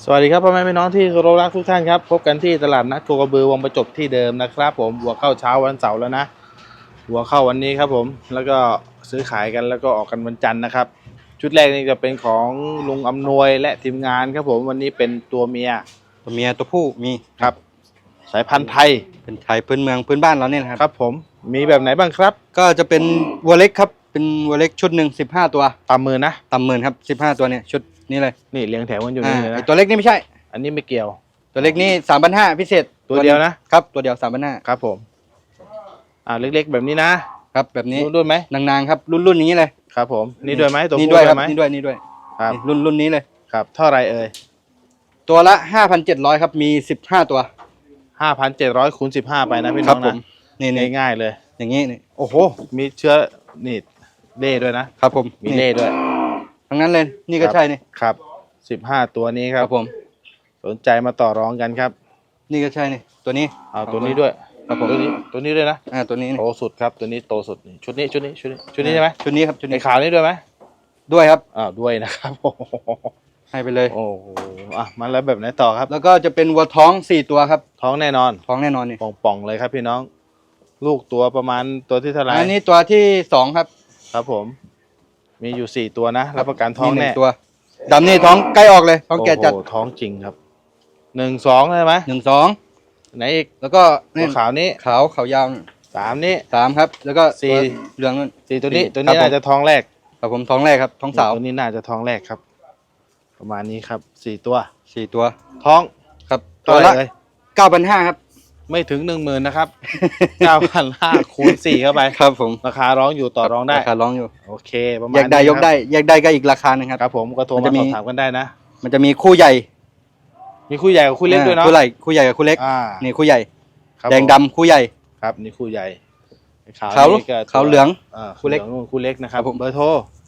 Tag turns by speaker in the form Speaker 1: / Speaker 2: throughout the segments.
Speaker 1: สวัสดีครับพ่อแม่พี่น้องที่เคารพรักทุกท่านครับพบกันที่ตลาดนัดโคกระบือวังประจบที่เดิมนะครับผมวัวเข้าเช้าวันเสาร์แล้วนะวัวเข้าวันนี้ครับผมแล้วก็ซื้อขายกันแล้วก็ออกกันวันจันทร์นะครับชุดแรกนี่จะเป็นของลุงอำนวยและทีมงานครับผมวันนี้เป็นตัวเมีย
Speaker 2: ตัวผู้มี
Speaker 1: ครับสายพันธุ์ไทย
Speaker 2: เป็นไทยพื้นเมืองพื้นบ้านเราเนี่ยนะครับ
Speaker 1: ครับผมมีแบบไหนบ้างครับ
Speaker 2: ก็จะเป็นวัวเล็กครับเป็นวัวเล็กชุดหนึ่ง15 ตัว
Speaker 1: ตามมือนะ
Speaker 2: ต่ำหมื่นครับ15 ตัวเนี่ยชุดนี้เลย
Speaker 1: นี่เรียงแถวกันอยู่นี่เลยนะ
Speaker 2: ตัวเล็กนี่ไม่ใช่
Speaker 1: อันนี้ไม่เกี่ยว
Speaker 2: ตัวเล็กนี่3,500พิเศษ
Speaker 1: ตัวเดียวนะครับ
Speaker 2: ตัวเดียว3,500
Speaker 1: ครับผมเล็กๆแบบนี้นะครับ
Speaker 2: แบบนี้
Speaker 1: รุ่นไหม
Speaker 2: นางๆครับรุ่นอย่างนี้เลย
Speaker 1: ครับผมนี่ด้วยไหมตัว
Speaker 2: นี้
Speaker 1: ผู้
Speaker 2: ด้วยครับ
Speaker 1: ไหม
Speaker 2: นี่ด้วย
Speaker 1: ครับ
Speaker 2: รุ่นนี้เลย
Speaker 1: ครับเท่าไรเอ่ย
Speaker 2: ตัวละ 5,700ครับมี15 ตัว
Speaker 1: 5,700 คูณ 15ไปนะพี่น้องนะ
Speaker 2: นี่
Speaker 1: ง่ายๆเลย
Speaker 2: อย่างนี้นี่
Speaker 1: โอ้โหมีเชื้อนี่เล่ด้วยนะครับ
Speaker 2: ผม
Speaker 1: มีเล่ด้วย
Speaker 2: ทั้งนั้นเลยนี่ก็ใช่นี่
Speaker 1: ครับ15ตัวนี้ครับ
Speaker 2: ผม
Speaker 1: สนใจมาต่อรองกันครับ
Speaker 2: นี่ก็ใช่นี่ตัวนี้
Speaker 1: เอาตัวนี้ด้วย
Speaker 2: ครับผม
Speaker 1: ตัวนี้ด้วยนะ
Speaker 2: ตัวนี้
Speaker 1: โตสุดครับตัวนี้โตสุดชุดนี้ใช่ไหม
Speaker 2: ชุดนี้ครับชุดนี้
Speaker 1: ขาวนี้ด้วยไหม
Speaker 2: ด้วยครับ
Speaker 1: ด้วยนะครับ
Speaker 2: ให้ไปเลย
Speaker 1: โอ้โหมาแล้วแบบไหนต่อครับ
Speaker 2: แล้วก็จะเป็นวัวท้อง4 ตัวครับ
Speaker 1: ท้องแน่นอน
Speaker 2: นี่
Speaker 1: ป่องๆเลยครับพี่น้องลูกตัวประมาณตัวที่เท่าไหร่
Speaker 2: อันนี้ตัวที่2ครับ
Speaker 1: ครับผมมีอยู่4ตัวนะรับประกันท้องแน่
Speaker 2: ตัวดำนี่ท้องใกล้ออกเลยท้องแก่จัด
Speaker 1: ท้องจริงครับ1-2ใช่ไหม
Speaker 2: 1-2
Speaker 1: ไหนอีก
Speaker 2: แล้วก็
Speaker 1: ตัวขาวนี้
Speaker 2: ขาวยาว
Speaker 1: 3นี้
Speaker 2: 3ครับแล้วก็4เหลืองนั่น
Speaker 1: 4ตัวนี้น่าจะท้องแรก
Speaker 2: ครับผมท้องแรกครับท้องสาว
Speaker 1: ตัวนี้น่าจะท้องแรกครับประมาณนี้ครับ4ตัว
Speaker 2: ท้องครับตัวละ 9,500 ครับ
Speaker 1: ไม่ถึง 10,000 นะครับ 9,500 คูณ 4เข้าไป
Speaker 2: ครับผม
Speaker 1: ราคาร้องอยู่ต่อรองได้
Speaker 2: ราคาร้องอยู่
Speaker 1: โอเคประมาณ
Speaker 2: แยกได้ยกได้ก็อีกราคานึงครับ
Speaker 1: ครับผมก็โทรมาสอบถามกันได้นะ
Speaker 2: มันจะมีคู่ใหญ่
Speaker 1: มีคู่ใหญ่กับคู่เล็กด้วยเนาะ
Speaker 2: คู่ใหญ่กับคู่เล็กนี่คู่ใหญ่แดงดำคู่ใหญ่
Speaker 1: ครับนี่คู่ใหญ่
Speaker 2: ขาวเหลือง
Speaker 1: คู่เล็กนู่นคู่เล็กนะครับเบอร์โทร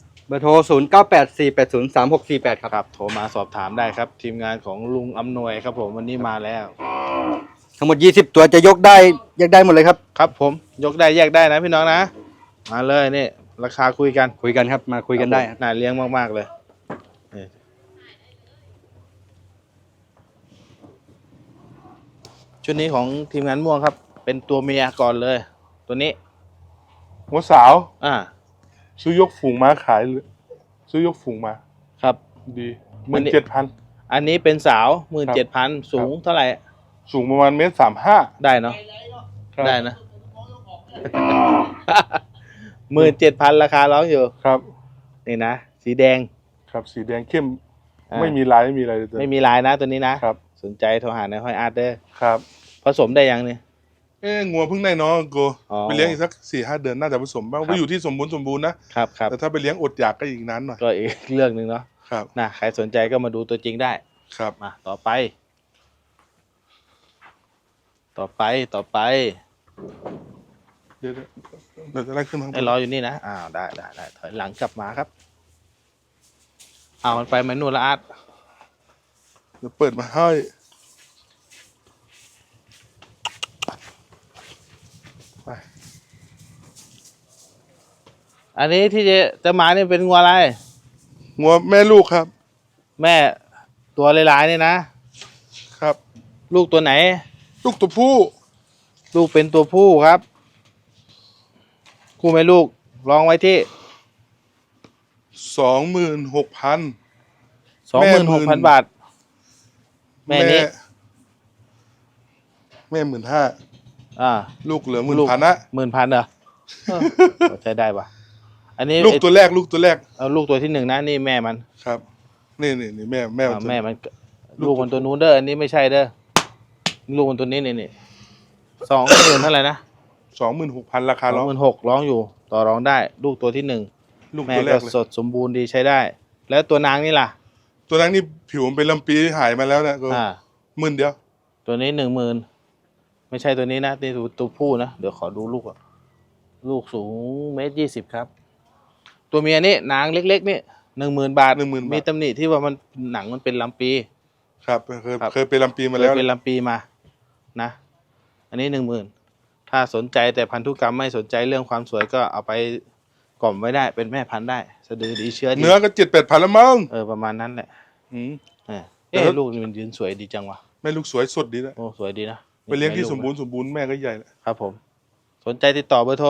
Speaker 2: 0984803648ครับ
Speaker 1: โทรมาสอบถามได้ครับทีมงานของลุงอำนวยครับผมวันนี้มาแล้ว
Speaker 2: ทั้งหมด20ตัวจะยกได้แยกได้หมดเลยครับ
Speaker 1: ครับผมยกได้แยกได้นะพี่น้องนะมาเลยนี่ราคาคุยกัน
Speaker 2: ครับมาคุยกันได้
Speaker 1: น่าเลี้ยงมากๆเลยชุดนี้ของทีมงานม่วงครับเป็นตัวเมียก่อนเลยตัวนี้
Speaker 3: หัวสาวซื้อยกฝูงมาขายเลยซื้อยกฝูงมา
Speaker 1: ครับ
Speaker 3: ดี17,000
Speaker 1: อันนี้เป็นสาว17,000สูงเท่าไหร่
Speaker 3: สูงประมาณ1.35
Speaker 1: ได้เนาะได้นะ17,000ราคาร้องอยู่
Speaker 3: ครับ
Speaker 1: นี่นะสีแดง
Speaker 3: ครับสีแดงเข้มไม่มีลายไม่มีอะไรเลย
Speaker 1: ไม่มีลายนะตัวนี้นะครับสนใจโทรหาในห้อยอาร์ตเด้อ
Speaker 3: ครับ
Speaker 1: ผสมได้ยังเนี่ย
Speaker 3: งัวเพิ่งได้น้องกูไปเลี้ยงอีกสัก 4-5 เดือนน่าจะผสมบ้างไปอยู่ที่สมบูรณ์นะครับแต่ถ้าไปเลี้ยงอดอยากก็อีกนานหน่อย
Speaker 1: ก็อีกเรื่องนึงเนาะ
Speaker 3: ครับ
Speaker 1: ใครสนใจก็มาดูตัวจริงได้
Speaker 3: ครับ
Speaker 1: มาต่อไปเ
Speaker 3: ดี๋ยวจะไล่ขึ้นทาง
Speaker 1: รออยู่นี่นะได้ถอยหลังกลับมาครับมันไปมันนู่นละอาร์ต
Speaker 3: เดี๋ยวเปิดมาให้
Speaker 1: อันนี้ที่จะมาเนี่ยเป็นงัวอะไร
Speaker 3: งัวแม่ลูกครับ
Speaker 1: แม่ตัวลายๆเนี่ยนะครับลูกตัวไหน
Speaker 3: ลูกตัวผู้
Speaker 1: ลูกเป็นตัวผู้ครับคู่แม่ลูกลองไว้ที่
Speaker 3: 26,000
Speaker 1: 26,000 บาทแม่นี้
Speaker 3: แม่ 15,000ลูกเหลือ 10,000 นะ
Speaker 1: 10,000เหรอใช้ได้ปะอันนี้
Speaker 3: ลูกตัวแรก
Speaker 1: ลูกตัวที่1นะนี่แม่มัน
Speaker 3: ครับนี่แม่
Speaker 1: มันลูกมันตัวนู้นเด้ออันนี้ไม่ใช่เด้อลูกมันตัวนี้นี่20,000เท่าไหร่นะ
Speaker 3: 26,000ราคาร้อง
Speaker 1: 26,000ร้องอยู่ต่อรองได้ลูกตัวที่1
Speaker 3: ลูก
Speaker 1: แม่
Speaker 3: ตัวแรก
Speaker 1: สดสมบูรณ์ดีใช้ได้แล้วตัวนางนี่ล่ะ
Speaker 3: ตัวนางนี่ผิวมันเป็นลำปีหายมาแล้วเนี่ยก็10,000เดียว
Speaker 1: ตัวนี้10,000ไม่ใช่ตัวนี้นะนี่ตัวผู้นะเดี๋ยวขอดูลูกสูง1.20 ครับตัวเมียนี่นางเล็กๆนี่10,000 บาทมีตำหนิที่ว่ามันหนังมันเป็นลำปี
Speaker 3: ครับเคยเป็นลำปีมาแล้ว
Speaker 1: เป็นลำปีมานะอันนี้10,000ถ้าสนใจแต่พันธุกรรมไม่สนใจเรื่องความสวยก็เอาไปกล่อมไว้ได้เป็นแม่พันธุ์ได้สะดือดีเชื้อดี
Speaker 3: เนื้อก็7-8 พันแล้วมั้ง
Speaker 1: ประมาณนั้นแหละลูกนี่มันยืนสวยดีจังวะ
Speaker 3: แม่ลูกสวยสดดีนะ
Speaker 1: โอ้สวยดีนะ
Speaker 3: ไปเลี้ยงที่สมบูรณ์แม่ก็ใหญ่แหละ
Speaker 1: ครับผมสนใจติดต่อเบอร์โทร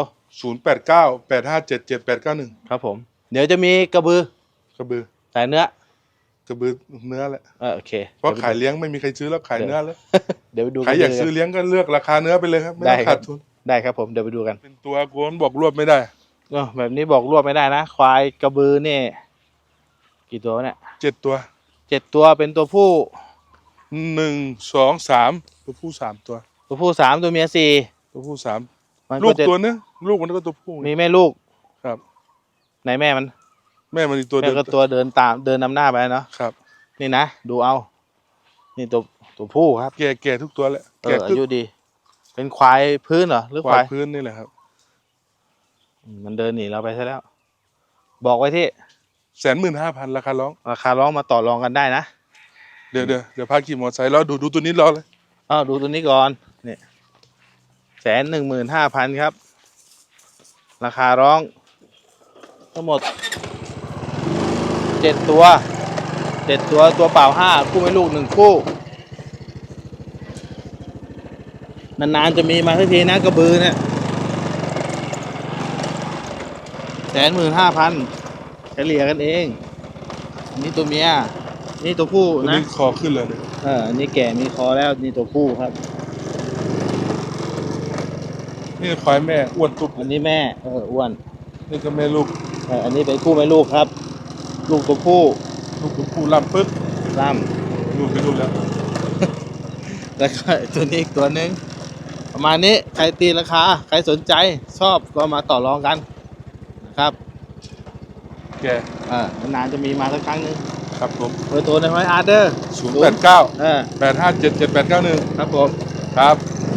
Speaker 3: 0898577891
Speaker 1: ครับผมเดี๋ยวจะมีกระบือก
Speaker 3: ระบือ
Speaker 1: สายเนื้อก
Speaker 3: ระบือเนื้อแหละ
Speaker 1: โอเค
Speaker 3: เพราะขายเลี้ยงไม่มีใครซื้อแล้วขายเนื้อแล้ว
Speaker 1: เดี๋ยวไปดู
Speaker 3: ใครอยากซื้อเลี้ยงก็เลือกราคาเนื้อไปเลยครับไม่ต้องขาดทุน
Speaker 1: ได้ครับผมเดี๋ยวไปดูกัน
Speaker 3: เป็นตัวโกนบอกรวบไม่ได้
Speaker 1: แบบนี้บอกรวบไม่ได้นะควายกระบือนี่กี่ตัวเนี่ย
Speaker 3: 7 ตัว
Speaker 1: 7 ตัวเป็นตัวผู้
Speaker 3: 1 2 3ตัวผู้3ตัว
Speaker 1: ตัวผู้3ตัวเมีย4
Speaker 3: ตัวผู้
Speaker 1: มัน
Speaker 3: 3ลู
Speaker 1: ก็
Speaker 3: ก
Speaker 1: จะ
Speaker 3: ตัวนึงลูกมันก็ตัวผู้
Speaker 1: มีแม่ลูก
Speaker 3: ครับ
Speaker 1: ไหนแม่มัน
Speaker 3: แม่มันอีกตัว
Speaker 1: แม่
Speaker 3: เดิม
Speaker 1: ก็ตัวเดินตามเดินนำหน้าไปเนาะ
Speaker 3: ครับ
Speaker 1: นี่นะดูเอานี่ตัวผู้ครับ
Speaker 3: แก่ทุกตัวแหละแก่
Speaker 1: อายุดี เป็นควายพื้นเหรอหรือควาย
Speaker 3: พื้นนี่แหละครับ
Speaker 1: มันเดินหนีเราไปซะแล้ว บอกไว้ที่
Speaker 3: 15,000ราคาร้อง
Speaker 1: ราคาร้องมาต่อรองกันได้นะ
Speaker 3: เดี๋ยวพาขี่มอเตอร์ไซค์แล้วดูตัวนี้รอเลย
Speaker 1: ดูตัวนี้ก่อนนี่115,000ครับ ราคาร้องทั้งหมด7 ตัวตัวเปล่า5คู่ไม่ลูก1คู่นานๆจะมีมาสักทีนะกระบือเนี่ย15,000เฉลี่ยกันเองอันนี้ตัวเมียนี่ตัวผู้
Speaker 3: ตัว
Speaker 1: นะ
Speaker 3: นี้คอขึ้นเลย
Speaker 1: อันนี้แก่มีคอแล้วนี่ตัวผู้ครับ
Speaker 3: นี่ควายแม่อ้วนตุ๊บ
Speaker 1: อันนี้แม่อ้วน
Speaker 3: นี่ก็แม่ลูก
Speaker 1: อันนี้เป็นคู่แม่ลูกครับ ลูกตัวผู้
Speaker 3: ลูกตัวผู้ล่ำปึ๊บ
Speaker 1: ล่
Speaker 3: ลูกเป็นลูกแล้ว
Speaker 1: ำแล้วก็ตัวนี้อีกตัวหนึ่งประมาณนี้ใครตีราคาใครสนใจชอบก็มาต่อรองกันนะครับ
Speaker 3: แก
Speaker 1: นานๆจะมีมาสักครั้งหนึง
Speaker 3: ครับผม
Speaker 1: เบอร์โทรในไว้อาร์เดอร์
Speaker 3: 089 8577891
Speaker 1: ครับผม
Speaker 3: ครับ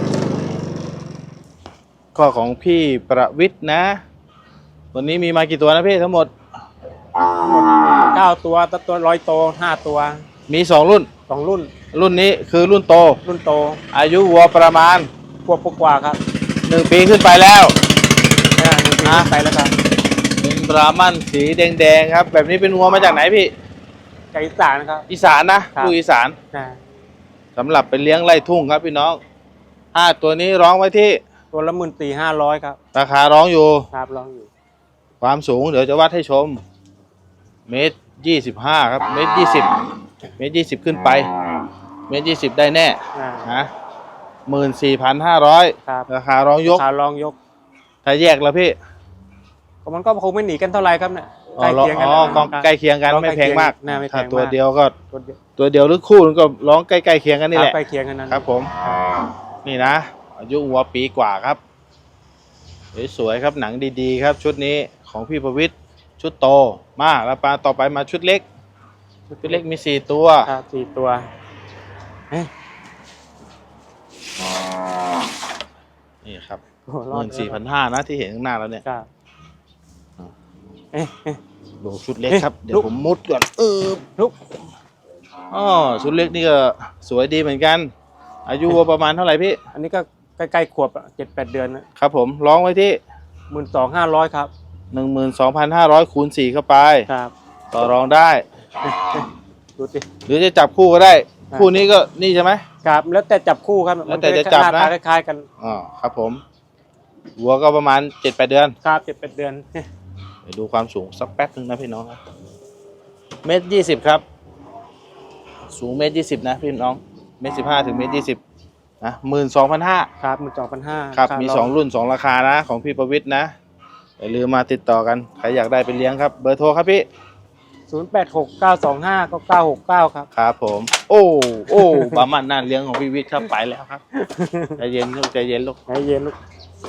Speaker 1: ข้อของพี่ประวิทย์นะ วันนี้มีมากี่ตัวนะพี่ทั้งหมด
Speaker 2: 9 ตัวตัว100 โต 5 ตัว
Speaker 1: มี2รุ่น
Speaker 2: 2 รุ่น
Speaker 1: รุ่นนี้คือรุ่นโต
Speaker 2: รุ่นโต
Speaker 1: อายุวัวประมาณ
Speaker 2: พวกกว่าครับ
Speaker 1: 1 ปีขึ้นไปแล้ว
Speaker 2: 1 ปีขึ้นไปแล้วครับ
Speaker 1: เป็นบราหมันสีแดงๆครับ แบบนี้เป็นวัวมาจากไหนพี่
Speaker 2: ไก่อีสานครับ
Speaker 1: อีสานนะครับ ลูกอีสาน
Speaker 2: นะ
Speaker 1: สำหรับเป็นเลี้ยงไร่ทุ่งครับพี่น้องตัวนี้ร้องไว้ที่
Speaker 2: ตัวละ14,500ครับ
Speaker 1: ราคาร้องอยู่
Speaker 2: ครับลองอยู่
Speaker 1: ความสูงเดี๋ยวจะวัดให้ชม1.25 ครับ1.20 ขึ้นไป1.20 ได้แน่
Speaker 2: อ่า
Speaker 1: นะ14,500
Speaker 2: ครับ
Speaker 1: ราคาร้องยก
Speaker 2: ขาลองยก
Speaker 1: ถ้าแยกแล้วพี่
Speaker 2: ก็มันก็คงไม่หนีกันเท่าไหร่ครับเนี่ย
Speaker 1: อ๋อใกล้เคียงกัน
Speaker 2: ร้อง
Speaker 1: ไม่แพงมาก
Speaker 2: น่าไม่แพ
Speaker 1: ถ้าง
Speaker 2: มาก
Speaker 1: ตัวเดียวก็
Speaker 2: ตัวเดียว
Speaker 1: ตัวเดียวหรือคู่นึงก็ร้องใกล้เคียงกันนี่แหละ
Speaker 2: ใกล้เคียงกันนั้น
Speaker 1: ครับผม นี่นะ อายุวัวปีกว่าครับสวยๆครับหนังดีๆครับ ชุดนี้ของพี่ประวิทย์ชุดโตมาแล้วปลาต่อไปมาชุดเล็ก ชุดเล็กมี4 ตัว
Speaker 2: ครับ4 ตัวเอ๊ะ
Speaker 1: นี่ครับ
Speaker 2: โอ้รอด
Speaker 1: 14,500นะที่เห็นข้างหน้าแล้วเนี่ย
Speaker 2: ครับเอ๊ะ
Speaker 1: ดูชุดเล็กครับ เดี๋ย
Speaker 2: ลุ
Speaker 1: ว
Speaker 2: ก
Speaker 1: ผมมุดก่อน
Speaker 2: ลุก
Speaker 1: ชุดเล็กนี่ก็สวยดีเหมือนกัน อายุวัวประมาณเท่าไหร่พี่
Speaker 2: อันนี้ก็ใกล้ๆขวบ7-8 เดือนนะครับ
Speaker 1: ผมร้องไว้ที่
Speaker 2: 12,500ครับ
Speaker 1: 12,500 คูณ 4 เข้าไป
Speaker 2: ครับ
Speaker 1: ต่อรองได้
Speaker 2: ดูสิ
Speaker 1: หรือจะจับคู่ก็ได้
Speaker 2: ครับ
Speaker 1: คู่นี้ก็นี่ใช่ไหม
Speaker 2: ครับแล้วแต่จับคู่ครับ
Speaker 1: แล้วแต่จะจับนะ
Speaker 2: หาตาคล้ายๆกัน
Speaker 1: ครับผมวัวก็ประมาณ 7-8 เดือน
Speaker 2: ครับ7-8 เดือน
Speaker 1: เดี๋ยวดูความสูงสักแป๊บนึงนะพี่น้องครับ1.20 ครับ สูง1.20 นะพี่น้อง1.15 ถึง1.20 นะ12,500
Speaker 2: ครับ12,500
Speaker 1: ครับมี2 รุ่น 2 ราคานะของพี่ประวิทย์นะอย่าลืมมาติดต่อกันใครอยากได้ไปเลี้ยงครับเบอร์โทรครับพี่
Speaker 2: 0869259969ครับ
Speaker 1: ครับผม โอ้ บามันน่าเลี้ยงของพี่วิทย์ครับไปแล้วครับใจเย็นลูกใจเย็นลูก
Speaker 2: ใจเย็นลูก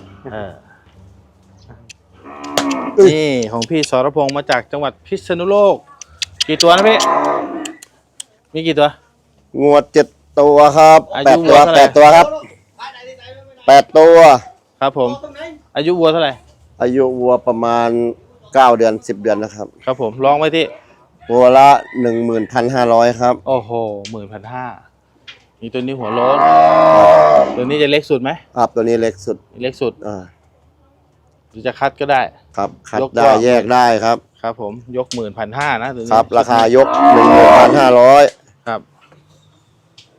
Speaker 1: นี่ของพี่สรพงษ์มาจากจังหวัดพิษณุโลกกี่ตัวนะพี่มีกี่ตัว
Speaker 4: งวด7 ตัวครับ
Speaker 1: อายุ
Speaker 4: 8 ตัว
Speaker 1: วัวเท่าไหร่
Speaker 4: 8 ตัวครับ8 ตัว
Speaker 1: ครับผมอายุวัวเท่าไหร่
Speaker 4: อายุวัวประมาณ9 เดือน 10 เดือนนะครับ
Speaker 1: ครับผมลองไว้ที่
Speaker 4: วัวละ 11,500 ครับ
Speaker 1: โอ้โห15,000มีตัวนี้หัวโล้นตัวนี้จะเล็กสุดไหม
Speaker 4: ครับตัวนี้เล็กสุด
Speaker 1: เล็กสุด หรือจะคัดก็ได้
Speaker 4: ครับคัด
Speaker 1: ยก
Speaker 4: ได้
Speaker 1: กว้าง
Speaker 4: แยกได้ครับ
Speaker 1: ครับผมยก15,000นะตัวนี้
Speaker 4: ครับราคายก 11,500
Speaker 1: ครับ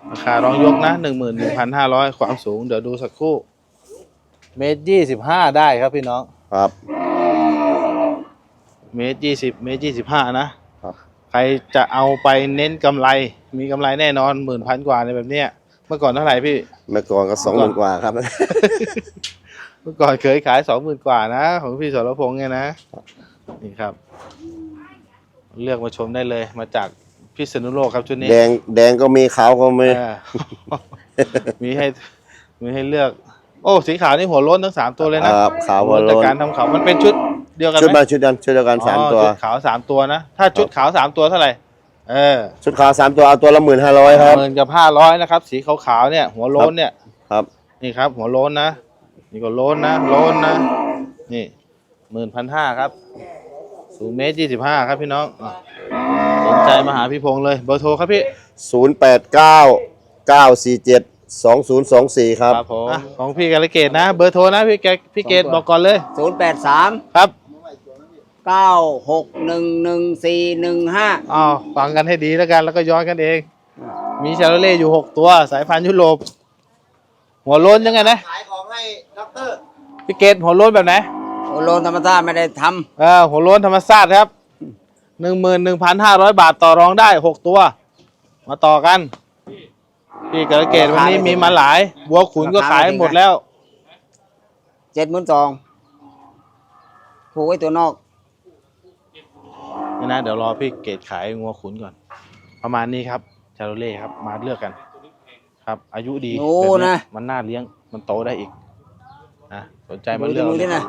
Speaker 1: ราคารองยกนะ11,500ความสูงเดี๋ยวดูสักครู่1.25 ได้ครับพี่น้อง
Speaker 4: ครับ
Speaker 1: 1.20 1.25 นะครับ ใครจะเอาไปเน้นกำไรมีกำไรแน่นอน10,000 กว่าในแบบเนี้ยเมื่อก่อนเท่าไหร่พี่
Speaker 4: เมื่อก่อนก็20,000 กว่าครับ
Speaker 1: เมื่อก่อนเคยขาย 20,000 กว่านะของพี่สรพงษ์เนี่ยนะนี่ครับ เลือกมาชมได้เลยมาจากพิษณุโลกครับชุดนี้
Speaker 4: แดงก็มีขาวก็มี
Speaker 1: เออ มีให้เลือก โอ้สีขาวนี่หัวโล้นทั้ง3ตัวเลยนะครับ
Speaker 4: ขาวหัวโล้น
Speaker 1: จากการทำขาวมันเป็นชุดเดียวกัน
Speaker 4: ชุด
Speaker 1: ไหม
Speaker 4: มาชุดเดียวกันสาม
Speaker 1: อ๋อ
Speaker 4: ตัว
Speaker 1: ชุดขาว3ตัวนะถ้าชุดขาว3ตัวเท่าไหร่
Speaker 4: ชุดขาว3 ตัวเอาตัวละ15,000ครับ
Speaker 1: 10,500นะครับสีขาวๆเนี่ยหัวโล้นเนี่ย
Speaker 4: ครับ
Speaker 1: นี่ครับ หัวโล้นนะนี่ก็โล้นนะโล้นนะนี่11,500ครับสูง1.25 ครับพี่น้องสนใจมาหาพี่พงษ์เลยเบอร์โทรครับพี่
Speaker 4: 0899472024 ครับ
Speaker 1: ผมของพี่กาลเกตนะเบอร์โทรนะพี่เกตบอกก่อนเลย
Speaker 5: 083
Speaker 1: ครับ
Speaker 5: 9611415
Speaker 1: อ้าวฟังกันให้ดีแล้วกันแล้วก็ย้อนกันเอง มีชาโลเล่อยู่6ตัวสายพันธุ์ยุโรปหัวโล้นยังไงนะ
Speaker 4: ขายของให้ด็อกเตอร์
Speaker 1: พี่เกตหัวโล้นแบบไหน
Speaker 5: โอโลนธรรมชาติไม่ได้ท
Speaker 1: หัวโล้นธรรมชาติครับ 11,500 บาทต่อรองได้6ตัว มาต่อกันพี่กาลเกตวันนี้มีมาหลายวัวขุนก็ขายหมดแล้ว
Speaker 5: ำ72,000ผูกไว้ตัวนอก
Speaker 1: นี่นะเดี๋ยวรอพี่เกตขายงัวขุนก่อน ประมาณนี้ครับชาโลเล่ครับมาเลือกกัน ครับ อายุดี
Speaker 5: โอ้
Speaker 1: แบบนี้
Speaker 5: นะ
Speaker 1: มันน่าเลี้ยงมันโตได้อีกนะสนใจมา
Speaker 5: ดู
Speaker 1: เลือก
Speaker 5: ที่นะ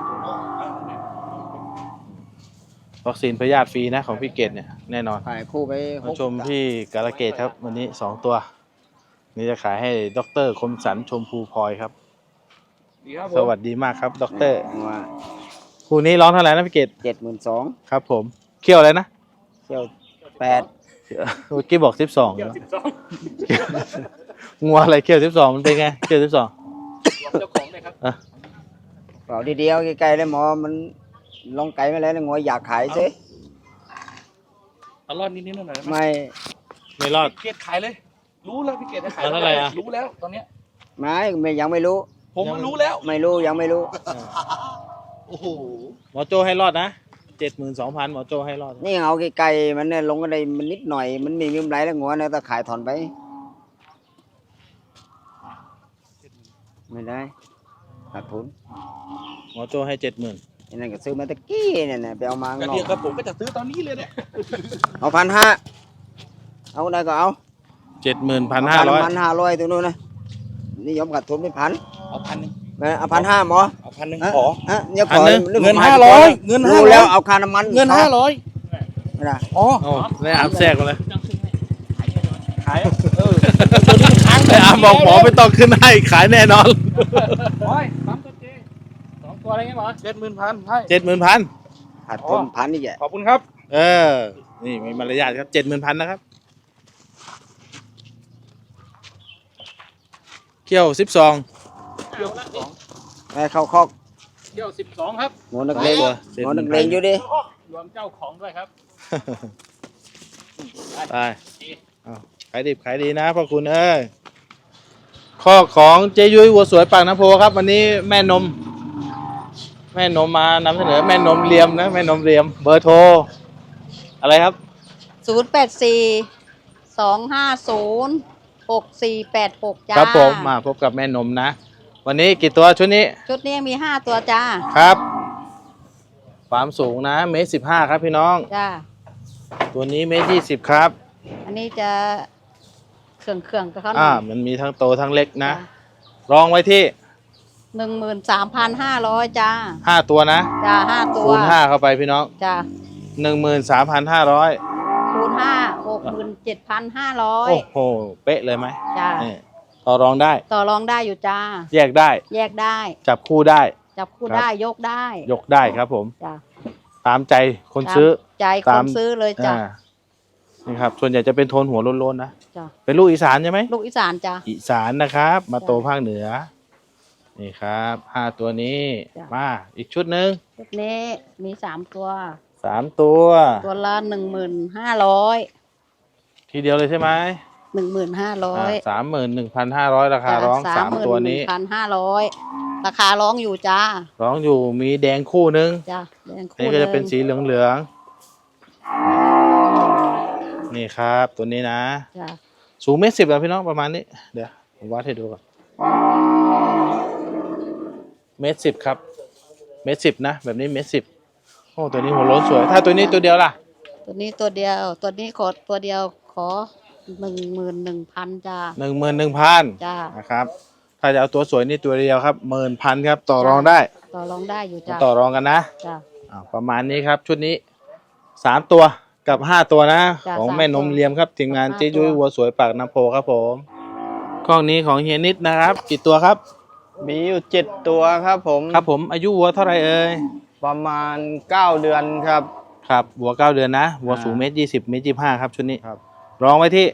Speaker 1: วัคซีนพยาธิฟรีนะของพี่เกตเนี่ยแน่นอน
Speaker 5: ขายคู่ไป
Speaker 1: มาชมพี่กาลเกตครับ วันนี้2 ตัว นี่จะขายให้ดร.คมสันชมพูพลอยครับ สวัสดีมากครับดร.คู่นี้ร้องเท่าไหร่นะพี่เกต
Speaker 5: 72,000
Speaker 1: ครับผมเคี่ยวอะไรนะ
Speaker 5: เที่ยว8
Speaker 1: เมื่อกี้บอก12งัวอะไรเคี่ยว12มันเป็นไงเคี่ยว12
Speaker 5: เปล่าทีเดียวไกลๆเลยหมอมันลงไกลไม่แล้วงอยอยากขายซิ
Speaker 6: เอารอดนิดๆหน่อยๆได้ไหม
Speaker 1: ไม่รอด
Speaker 6: พี่เกดขายเลย รู้แล้วพี่เกดจะขาย
Speaker 1: เอาเท่าไหร่อะ
Speaker 6: รู้แล้วตอนเนี้ย
Speaker 5: ไม่ยังไม่รู้
Speaker 6: ผมก็รู้แล้ว
Speaker 5: ไม่รู้ยังไม่รู้
Speaker 6: โอ้โห
Speaker 1: หมอโจให้รอดนะ 72,000หมอโจให้รอด
Speaker 5: นี่เอาไกลๆมันเนี่ยลงกันได้มันนิดหน่อยมันมีกำไรแล้วงัวเนี่ยถ้าขายถอนไปไม่ได้ขาดทุน
Speaker 1: หมอโจให้ 70,000
Speaker 5: ไอ้นั่นก็ซื้อมาตะกี้เนี่ยนะไปเอามาข้าง
Speaker 6: กระ
Speaker 5: นอ
Speaker 6: เทียม
Speaker 5: ก
Speaker 6: กับผมก็จะซื้อตอนนี้เลยเนี่ย
Speaker 5: เอา1,500เอาได้ก็เอา
Speaker 1: 70,500
Speaker 5: 1,500ตัวนู้นนะนี่ยอมขาดทุนไม่1,000
Speaker 6: เอา1,000
Speaker 5: เอา1,500หมอ
Speaker 6: เอา1,000
Speaker 5: ฮะ
Speaker 6: ขอ
Speaker 5: ฮะเดี๋ยวขอ
Speaker 6: 1,000
Speaker 5: รื่อง
Speaker 6: เงิน
Speaker 5: ขอ
Speaker 6: 500เงิน
Speaker 5: รู้
Speaker 6: 500
Speaker 5: แล้วเอาค่าน้ำมัน
Speaker 6: เงิน 500
Speaker 5: ไม่ได้
Speaker 6: อ๋อ
Speaker 1: โอ้ได้อาบแทรกมาเลย
Speaker 6: ขายตัวนี้ค้าง
Speaker 1: ได้อาบบอกหมอไม่ต้องขึ้นให้ขายแน่นอน
Speaker 6: โอ้ยปั๊มตัวเจ2ตัวอะไรเงี้ยหมอ70,000ใช่
Speaker 1: 70,000
Speaker 5: ขาดทุน1,000นี่แหละ
Speaker 6: ขอบคุณครับ
Speaker 1: นี่มีมารยาทครับ 70,000 นะครับเขี้ยว12
Speaker 5: ไปเข้าคอก
Speaker 6: เที่ยว12ครับ
Speaker 5: หมอนักเลง
Speaker 1: ตัว
Speaker 5: หมอนักเลงอยู่ดิ
Speaker 6: รวมเจ้าของด้วยครับ
Speaker 1: ไปเอาขายดิบขายดีนะพ่อคุณเอ้ยข้อของเจยุ้ยวัวสวยปากน้ำโพครับ วันนี้แม่นมมานำเสนอแม่นมเรียมนะแม่นมเรียมเบอร์โทรอะไรครับ
Speaker 7: 084-250-6486 จ้า
Speaker 1: ครับผมมาพบกับแม่นมนะ วันนี้กี่ตัวชุดนี้
Speaker 7: ชุดนี้มี 5 ตัวจ้า
Speaker 1: ครับความสูงนะ1.15 ครับพี่น้อง
Speaker 7: จ้า
Speaker 1: ตัวนี้1.20 ครับ
Speaker 7: อันนี้จะเครื่องกับเขาหน่อย
Speaker 1: มันมีทั้งโตทั้งเล็กนะ รองไว้ที่
Speaker 7: 13,500 จ้า
Speaker 1: 5 ตัวนะ
Speaker 7: จ้า 5 ตัว
Speaker 1: คูณ5เข้าไปพี่น้อง
Speaker 7: จ้า
Speaker 1: 13,500
Speaker 7: คูณ5 67,500
Speaker 1: โอ้โหเป๊ะเลยไหม
Speaker 7: จ้า
Speaker 1: นี่ต่อรองได้
Speaker 7: ต่อรองได้อยู่จ้า
Speaker 1: แยกได้
Speaker 7: แยกได้
Speaker 1: จับคู่ได้
Speaker 7: จับคู่
Speaker 1: ครับ
Speaker 7: ได้ยกได้
Speaker 1: ยกได้ครับผม
Speaker 7: จ้า
Speaker 1: ตามใจคนซื้อ
Speaker 7: ใจค
Speaker 1: ตาม
Speaker 7: นซื้อเลยจ้า
Speaker 1: นี่ครับ ส่วนใหญ่จะเป็นโทนหัวโล้นๆนะ
Speaker 7: จ้า
Speaker 1: เป็นลูกอีสานใช่ไหม
Speaker 7: ลูกอีสานจ้า
Speaker 1: อีสานนะครับ มา
Speaker 7: จ้ะ
Speaker 1: โตภาคเหนือ นี่ครับ5 ตัวนี้
Speaker 7: จ้ะ
Speaker 1: มาอีกชุดหนึ่ง
Speaker 7: ชุดนี้มี 3 ตัว
Speaker 1: 3 ตัว
Speaker 7: ตัวละ 1,500
Speaker 1: ทีเดียวเลยใช่ไหม
Speaker 7: 11,500
Speaker 1: 31,500ราคาร้องสามตัวนี้
Speaker 7: 31,500ราคาร้องอยู่จ้า
Speaker 1: ร้องอยู่มีแดงคู่นึง
Speaker 7: จ้าแดงคู่
Speaker 1: นี่ก็จะเป็นสีเหลืองๆนี่ครับ ตัวนี้นะ
Speaker 7: จ้า
Speaker 1: สูง1.10 อะพี่น้องประมาณนี้ เดี๋ยวผมวัดให้ดูก่อน1.10 ครับ1.10 นะแบบนี้1.10 โอ้ตัวนี้หัวโล้นสวย ถ้าตัวนี้ตัวเดียวล่ะ
Speaker 7: ตัวนี้ตัวเดียวตัวนี้ขอตัวเดียวขอ11,000จ้า
Speaker 1: 11,000
Speaker 7: จ้า
Speaker 1: นะครับ ถ้าจะเอาตัวสวยนี่ตัวเดียวครับ10,000ครับต่อรองได้
Speaker 7: ต่อรองได้อยู่จ้า
Speaker 1: ต่อรองกันนะ
Speaker 7: จ้า
Speaker 1: ประมาณนี้ครับชุดนี้3ตัวกับ5ตัวนะ
Speaker 7: จ้ะ
Speaker 1: ของ
Speaker 7: สาม
Speaker 1: แม่นม
Speaker 7: ตัว
Speaker 1: เลียมครับทีมงาน
Speaker 7: กับ
Speaker 1: เจ๊
Speaker 7: 5
Speaker 1: ยุ้ย
Speaker 7: ตัว
Speaker 1: วัวสวยปากน้ำโพครับผมกล้องนี้ของเฮียนิดนะครับกี่ตัวครับ
Speaker 5: มีอยู่7ตัวครับผม
Speaker 1: ครับผมอายุวัวเท่าไหรเอ่ย
Speaker 5: ประมาณ9เดือนครับ
Speaker 1: ครับวัว9 เดือนนะวัวสูง1.20 1.25ครับชุดนี้
Speaker 5: ครับ
Speaker 1: รองไว้ที่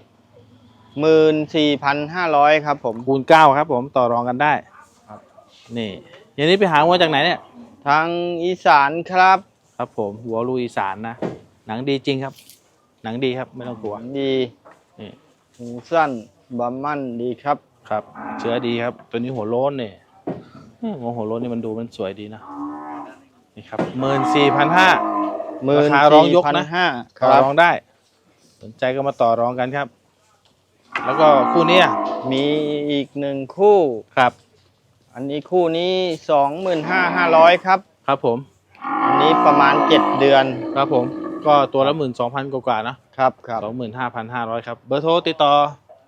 Speaker 5: 14,500ครับผม
Speaker 1: คูณ9ครับผมต่อรองกันได้
Speaker 5: ครับ
Speaker 1: นี่เฮียนิดไปหาวัวจากไหนเนี่ย
Speaker 5: ทางอีสานครับ
Speaker 1: ครับผมวัวลูกอีสานนะหนังดีจริงครับ หนังดีครับไม่ต้องกลัว
Speaker 5: ดี
Speaker 1: นี่
Speaker 5: หูสั้นบำมั่นดีครับ
Speaker 1: ครับเชื้อดีครับตัวนี้หัวโล้นเนี่ยหัวโล้นนี่มันดูมันสวยดีนะนี่ครับ14,500 ราคาร้องยกนะ
Speaker 5: 14,500ค
Speaker 1: ต่อ
Speaker 5: รับ
Speaker 1: รองได้ สนใจก็มาต่อรองกันครับ แล้วก็คู่นี้อะ
Speaker 5: มีอีก1คู่
Speaker 1: ครับ
Speaker 5: อันนี้คู่นี้ 25,500ครับ
Speaker 1: ครับผม
Speaker 5: อันนี้ประมาณ7เดือน
Speaker 1: ครับผมก็ตัวละ 12,000 กว่าๆนะครับ
Speaker 5: ครับ
Speaker 1: 25,500ครับเบอร์โทรติดต่อ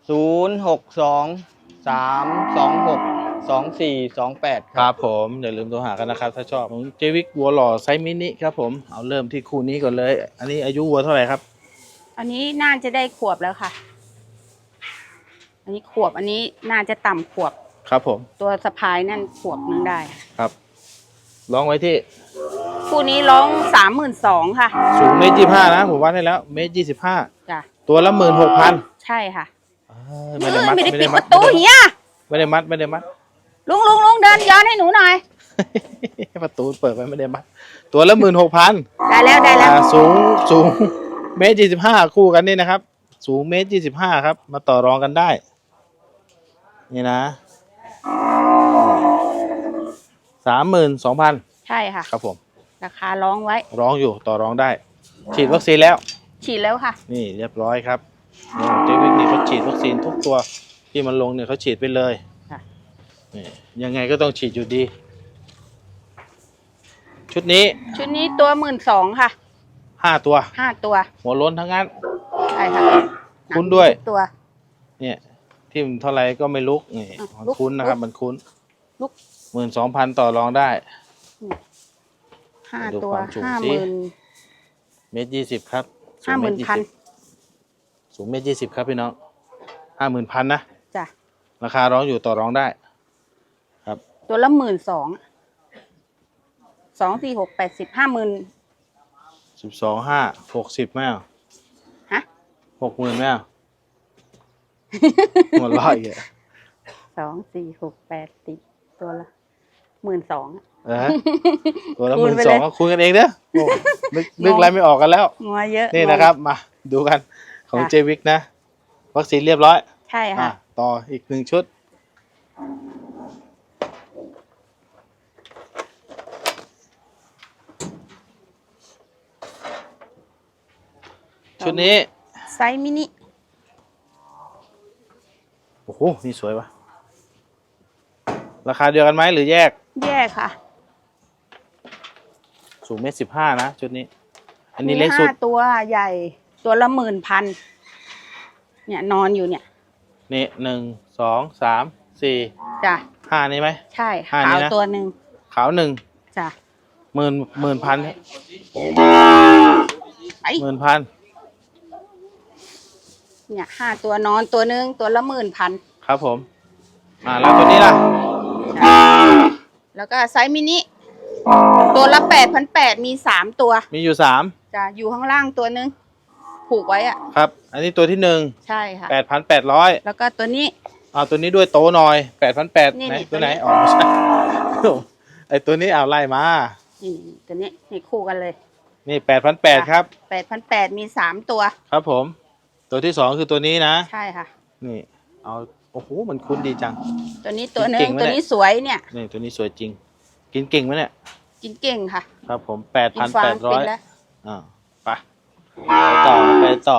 Speaker 5: 062 326 2428
Speaker 1: ครับผมอย่าลืมโทรหากันนะครับ ถ้าชอบของเจวิกวัวหล่อไซส์มินิครับผมเอาเริ่มที่คู่นี้ก่อนเลย อันนี้อายุวัวเท่าไหร่ครับ
Speaker 8: อันนี้น่าจะได้ขวบแล้วค่ะ อันนี้ขวบ อันนี้น่าจะต่ำขวบ
Speaker 1: ครับผม
Speaker 8: ตัวสะพายนั่นขวบนึงได้
Speaker 1: ครับร้องไว้ที่
Speaker 8: คู่นี้ร้อง32,000ค่ะ
Speaker 1: สูง1.25 นะผมวัดให้แล้ว1.25
Speaker 8: จ้ะ
Speaker 1: ตัวละ 16,000
Speaker 8: ใช่ค่ะ
Speaker 1: ไม่ได้มัด
Speaker 8: ไม่ได้
Speaker 1: ไม่
Speaker 8: ปิ
Speaker 1: ได้
Speaker 8: ดป
Speaker 1: มัด
Speaker 8: ระตูเฮีย
Speaker 1: ไม่ได้มัดไม่ได้มัด
Speaker 8: ลุงเดินย้อนให้หนูหน่อย
Speaker 1: ประตูเปิดไว้ไม่ได้มัดตัวละ 16,000
Speaker 8: ได้แล้ว
Speaker 1: สูง1.25 คู่กันนี่นะครับ สูง1.25 ครับ มาต่อรองกันได้ นี่นะ 32,000
Speaker 8: ใช่ค่ะ
Speaker 1: ครับผม
Speaker 8: ราคาร้องไว้
Speaker 1: ร้องอยู่ต่อรองได้ ฉีดวัคซีนแล้ว
Speaker 8: ฉีดแล้วค่ะ
Speaker 1: นี่เรียบร้อยครับเจวิกนี่เขาฉีดวัคซีนทุกตัวที่มันลงเนี่ยเขาฉีดไปเลย
Speaker 8: ค่ะ
Speaker 1: นี่ยังไงก็ต้องฉีดอยู่ดี ชุดนี้
Speaker 8: ชุดนี้ตัว12,000ค่ะ
Speaker 1: 5 ตัว
Speaker 8: 5 ตัว
Speaker 1: หัวโล้นทั้งนั้น
Speaker 8: ใช่ค่ะ
Speaker 1: คุ้นด้วย
Speaker 8: ทุกตัว
Speaker 1: เนี่ยที่มันเท่าไรก็ไม่ลุกนี่
Speaker 8: อ่ะ
Speaker 1: มัน
Speaker 8: ลุก
Speaker 1: คุ้นนะครับ
Speaker 8: ลุก
Speaker 1: มันคุ้น
Speaker 8: ลุก
Speaker 1: 12,000 ต่อรองได้
Speaker 8: 5
Speaker 1: ดู
Speaker 8: ตัว
Speaker 1: ความสูงสิ 1.20 ครับสูง
Speaker 8: 50,000
Speaker 1: สูง1.20 ครับพี่น้อง50,000 นะ
Speaker 8: จ้ะ
Speaker 1: ราคาร้องอยู่ต่อรองได้
Speaker 8: ตัวละ12,000 2 4 6 8 10 50,000
Speaker 1: 12,500 60แม่เอา
Speaker 8: ฮะ
Speaker 1: 60,000แม่เอาหมดร้อยอีกอะ
Speaker 8: 2 4 6 8 10ตัวละ12,000
Speaker 1: ตัวละ
Speaker 8: คูณไปเลย
Speaker 1: 12,000ก็คุยกันเองเด้อโอ้นึกอะไรไม่ออกกันแล้ว
Speaker 8: งัวเยอะ
Speaker 1: นี่นะครับ มาดูกันของ
Speaker 8: ค่ะ
Speaker 1: เจวิกนะ วัคซีนเรียบร้อย
Speaker 8: ใช่ค่ะ
Speaker 1: ต่ออีก1 ชุด ชุดนี้
Speaker 8: ไซส์มินิ
Speaker 1: โอ้โห นี่สวยวะราคาเดียวกันไหมหรือแยก
Speaker 8: แยกค่ะ
Speaker 1: สูง1.15 นะ ชุดนี้ อันนี้เล็กสุด
Speaker 8: 5 ตัวใหญ่ตัวละ10,000เนี่ยนอนอยู่เนี่ย
Speaker 1: นี่1 2 3 4
Speaker 8: จ้ะ
Speaker 1: 5นี่ไหม
Speaker 8: ใช่
Speaker 1: ห้านี่
Speaker 8: ขาว
Speaker 1: นะ
Speaker 8: ตัวหนึ่ง
Speaker 1: ขาว1
Speaker 8: จ้ะ
Speaker 1: 10,000
Speaker 8: ไอ้
Speaker 1: 10,000
Speaker 8: เนี่ย5 ตัวนอนตัวหนึ่งตัวละ10,000
Speaker 1: ครับผม แล้วตัวนี้ล่ะ
Speaker 8: แล้วก็ไซส์มินิตัวละ8,800มี3 ตัว
Speaker 1: มีอยู่
Speaker 8: จ้ะอยู่ข้างล่างตัวหนึ่งผูกไว้อะ
Speaker 1: 3 ครับ อันนี้ตัวที่
Speaker 8: ใช่ค่ะ
Speaker 1: 1 8,800
Speaker 8: แล้วก็ตัวนี้
Speaker 1: เอาตัวนี้ด้วยโตหน่อย 8,800
Speaker 8: นี่
Speaker 1: ไหน
Speaker 8: นี่
Speaker 1: ตัวไหน
Speaker 8: ตัวนี้
Speaker 1: อ๋อไม่ใช่ ไอตัวนี้เอาไล่มา
Speaker 8: นี่ตัวนี้นี่คู่กันเลย
Speaker 1: นี่ 8,800 ครับ
Speaker 8: 8,800มี3 ตัว
Speaker 1: ครับผม ตัวที่ 2 คือตัวนี้นะ
Speaker 8: ใช่ค่ะ
Speaker 1: นี่เอาโอ้โหมันคุ้นดีจัง
Speaker 8: ตัวนี้ตัวหนึ
Speaker 1: เก่
Speaker 8: ง
Speaker 1: งไหม
Speaker 8: ตัว
Speaker 1: เนี่ย
Speaker 8: นี้สวยเนี่ย
Speaker 1: นี่ตัวนี้สวยจริง กินเก่งไหมเนี่ย
Speaker 8: กินเก่งค่ะ
Speaker 1: ครับผม
Speaker 8: กินฟางเป็น
Speaker 1: 8,800
Speaker 8: แล้ว
Speaker 1: อ่าไปต่อไปต่อ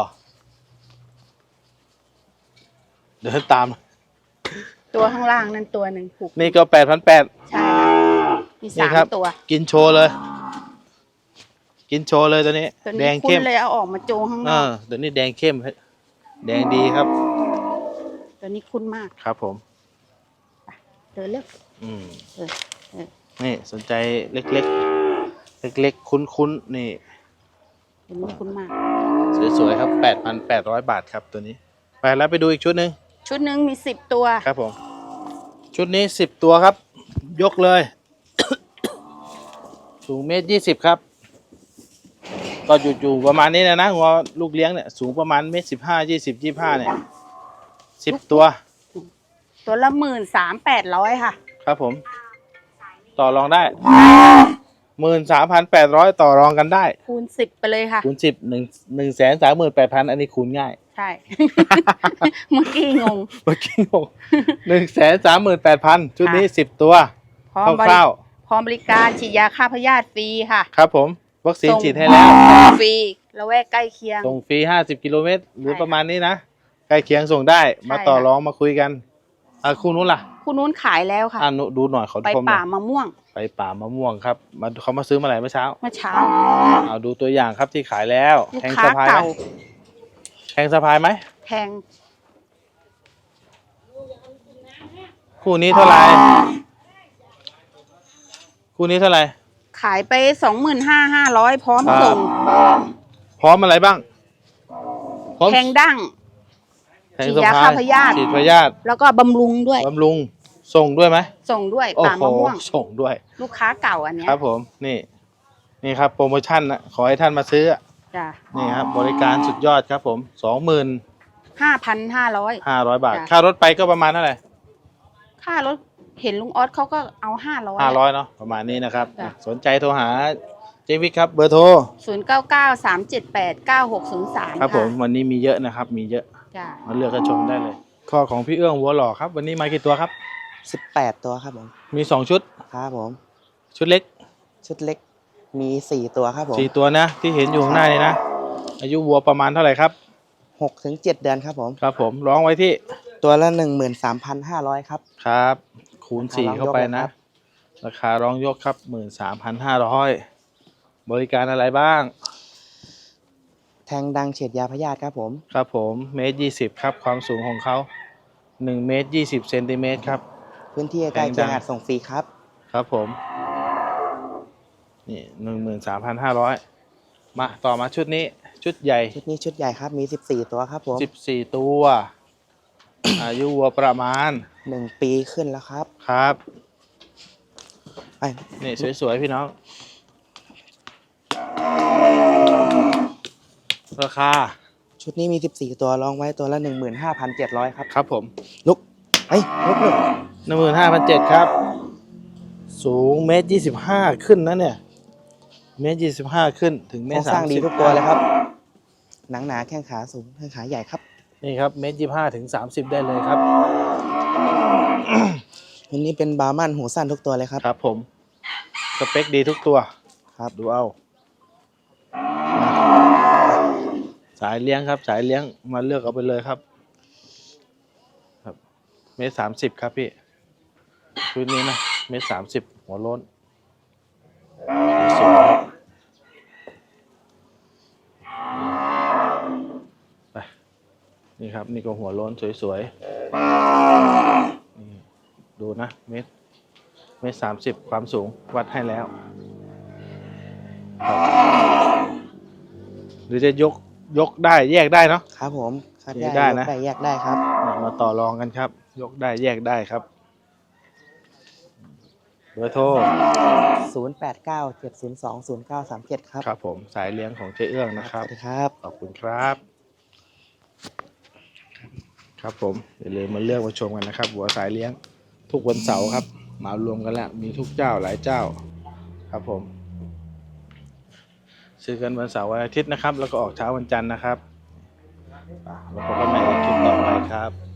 Speaker 1: เดินตาม
Speaker 8: ตัวข้างล่างนั่นตัวหนึ่งผูก
Speaker 1: นี่ก็8,800
Speaker 8: ใช่ค่ะมี
Speaker 1: นี่
Speaker 8: สาม
Speaker 1: ครับ
Speaker 8: ตัว
Speaker 1: กินโชว์เลย กินโชว์เลยตัวนี้
Speaker 8: ตัว
Speaker 1: แด
Speaker 8: นี้
Speaker 1: ง
Speaker 8: คุ้
Speaker 1: เข้
Speaker 8: น
Speaker 1: ม
Speaker 8: เลยเอาออกมาโจงข้างนอก
Speaker 1: ตัวนี้แดงเข้ม แดงดีครับ
Speaker 8: ตัวนี้คุ้นมาก
Speaker 1: ครับผม
Speaker 8: เดินเร็ว
Speaker 1: อืม
Speaker 8: เออเออ
Speaker 1: นี่สนใจเล็กๆ เล็กๆ คุ้นๆ นี่
Speaker 8: ตัวนี้คุ้นมาก
Speaker 1: สวยๆ ครับ 8,800 บาทครับตัวนี้ ไปแล้วไปดูอีกชุดหนึ่ง
Speaker 8: ชุดหนึ่งมี10 ตัว
Speaker 1: ครับผม ชุดนี้10 ตัวครับ ยกเลย สูง1.20 ครับ ก็อยู่ประมาณนี้นะหัวลูกเลี้ยงเนี่ยสูงประมาณ1.15 20 25เนี่ย10 ตัว
Speaker 8: ตัวละ13,800 ค่ะ
Speaker 1: ครับผม ต่อรองได้ 13,800 ต่อรองกันได้
Speaker 8: คูณ 10 ไปเลยค่ะ
Speaker 1: คูณ10 138,000 อันนี้คูณง่าย
Speaker 8: ใช่ เมื่อกี้งง
Speaker 1: เมื่อกี้งง138,000 ชุดนี้10 ตัว
Speaker 8: พร้อม
Speaker 1: คร่าว
Speaker 8: พร้อมบริการฉีดยาฆ่าพยาธิฟรีค่ะ
Speaker 1: ๆครับผม วัคซีน
Speaker 8: ส่ง
Speaker 1: ฉีดให้แล้ว
Speaker 8: ฟรีละแวกใกล้เคียง
Speaker 1: ส่งฟรี50 กิโลเมตร หรือ
Speaker 8: ใช่
Speaker 1: ประมาณนี้นะ ใกล้เคียงส่งได้ มาต่อ
Speaker 8: ใช่ค่ะ
Speaker 1: รองมาคุยกันคู่นู้นล่ะ
Speaker 8: คุณนู้นขายแล้วค่ะ
Speaker 1: ดูหน่อยเขา
Speaker 8: ไป
Speaker 1: ชมหน่
Speaker 8: ป่า
Speaker 1: อย
Speaker 8: มะม่วง
Speaker 1: ไปป่ามะม่วงครับเขามาซื้อมาอะไรเมื่อเช้า
Speaker 8: เมื่อเช้า
Speaker 1: เอาดูตัวอย่างครับที่ขายแล้ว
Speaker 8: ลูก
Speaker 1: แทง
Speaker 8: ค้า
Speaker 1: สะพายไหม
Speaker 8: เก่า
Speaker 1: แทงสะพายไหม
Speaker 8: แพง
Speaker 1: คู่นี้เท่าไหร่คู่นี้เท่าไหร่
Speaker 8: ขายไป25,500 พร้อม
Speaker 1: ครับ
Speaker 8: ส่ง
Speaker 1: พร้อมอะไรบ้างพร้อม
Speaker 8: แทงดั้ง
Speaker 1: แทง
Speaker 8: ฉีด
Speaker 1: สะ
Speaker 8: ยา
Speaker 1: พา
Speaker 8: ฆ่าย พยาธิ
Speaker 1: ฉีดพยาธิ
Speaker 8: แล้วก็บำรุงด้วย
Speaker 1: บำรุงส่งด้วยไหม
Speaker 8: ส่งด้วย
Speaker 1: โอ้
Speaker 8: ป่า
Speaker 1: โห
Speaker 8: มะม่วง
Speaker 1: ส่งด้วย
Speaker 8: ลูกค้าเก่าอันเนี้ย
Speaker 1: ครับผมนี่ครับโปรโมชั่นนะขอให้ท่านมาซื้อ
Speaker 8: จ้ะ
Speaker 1: นี่ครับบริการสุดยอดครับผม
Speaker 8: 5,500
Speaker 1: 25,500 บาท
Speaker 8: จ้ะ
Speaker 1: ค่ารถไปก็ประมาณเท่าไหร่
Speaker 8: ค่ารถเห็นลุงออสเขาก็เอา500
Speaker 1: 500เนาะประมาณนี้นะครับ
Speaker 8: จ้ะ
Speaker 1: สนใจโทรหาเจวิกครับเบอร์โทร
Speaker 8: 0993789603
Speaker 1: ครับผมวันนี้มีเยอะนะครับมีเยอะ
Speaker 8: จ้ะ
Speaker 1: มาเลือกกันชมได้เลย ข้อของพี่เอื้องวัวหล่อครับ วันนี้มากี่ตัวครับ
Speaker 2: 18 ตัวครับผม
Speaker 1: มี2ชุด
Speaker 2: ครับผม
Speaker 1: ชุดเล็ก
Speaker 2: ชุดเล็กมี4ตัวครับผม
Speaker 1: 4 ตัวนะที่เห็นอยู่ข้างหน้านี่นะอายุวัวประมาณเท่าไหร่ครับ
Speaker 2: 6 ถึง 7 เดือนครับผม
Speaker 1: ครับผมร้องไว้ที่
Speaker 2: ตัวละ 13,500 ครับ
Speaker 1: ครับคูณ 4
Speaker 2: ราคาร้องยก
Speaker 1: เข้าไปนะ
Speaker 2: เลยครับ
Speaker 1: ราคาร้องยกครับ 13,500 บริการอะไรบ้าง
Speaker 2: แทงดังเฉียดยาพยาธิครับผม
Speaker 1: ครับผม1.20 ครับความสูงของเขา1.20 เซนติเมตรครับ
Speaker 2: พื้นที่ใกล้เคียงอาจส่งฟรีครับ
Speaker 1: ครับผมนี่13,500มาต่อมาชุดนี้ชุดใหญ่
Speaker 2: ชุดนี้ชุดใหญ่ครับมี14 ตัวครับผม
Speaker 1: 14 ตัว อายุวัวประมาณ
Speaker 2: 1 ปีขึ้นแล้วครับ
Speaker 1: ครับ
Speaker 2: ไป
Speaker 1: นี่สวยๆพี่น้อง ราคา
Speaker 2: ชุดนี้มี14 ตัวรองไว้ตัวละ 15,700 ครับ
Speaker 1: ครับผม
Speaker 2: ลุกลุก
Speaker 1: 15,700 ครับ สูง1.25 ขึ้นนะเนี่ย1.25 ขึ้นถึง
Speaker 2: โครงสร้างดีทุกตัวเลยครับ หนังหนาแข้งขาสูงแข้งขาใหญ่ครับ
Speaker 1: นี่ครับ1.25 ถึง 30 ได้เลยครับ
Speaker 2: วันนี้เป็นบาร์มันหูสั้นทุกตัวเลยครับ
Speaker 1: ครับผม สเปคดีทุกตัว
Speaker 2: ครับ
Speaker 1: ดูเอา สายเลี้ยงครับ สายเลี้ยงมาเลือกเอาไปเลยครับ ครับ1.30 ครับพี่ชุดนี้นะ1.30 หัวโล้นสวยครับไปนี่ครับนี่ก็หัวโล้นสวยๆนี่ดูนะ1.30 ความสูงวัดให้แล้วครับหรือจะยกได้แยกได้เนาะ
Speaker 2: ครับผมคัด
Speaker 1: แยก
Speaker 2: ได้
Speaker 1: ได้นะ
Speaker 2: ยกได้แยกได้ครับ
Speaker 1: มาต่อรองกันครับ ยกได้แยกได้ครับเบอร์โทร
Speaker 2: 0897020937 ครับ
Speaker 1: ครับผมสายเลี้ยงของเจ๊เอื้องนะครับ
Speaker 2: สวัสดีครับ
Speaker 1: ขอบคุณครับ ครับผมอย่าลืมมาเลือกมาชมกันนะครับหัวสายเลี้ยงทุกวันเสาร์ครับมารวมกันแล้วมีทุกเจ้าหลายเจ้า ครับผมซื้อกันวันเสาร์วันอาทิตย์นะครับ แล้วก็ออกเช้าวันจันทร์นะครับแล้วพบกันใหม่ในคลิปต่อไปครับ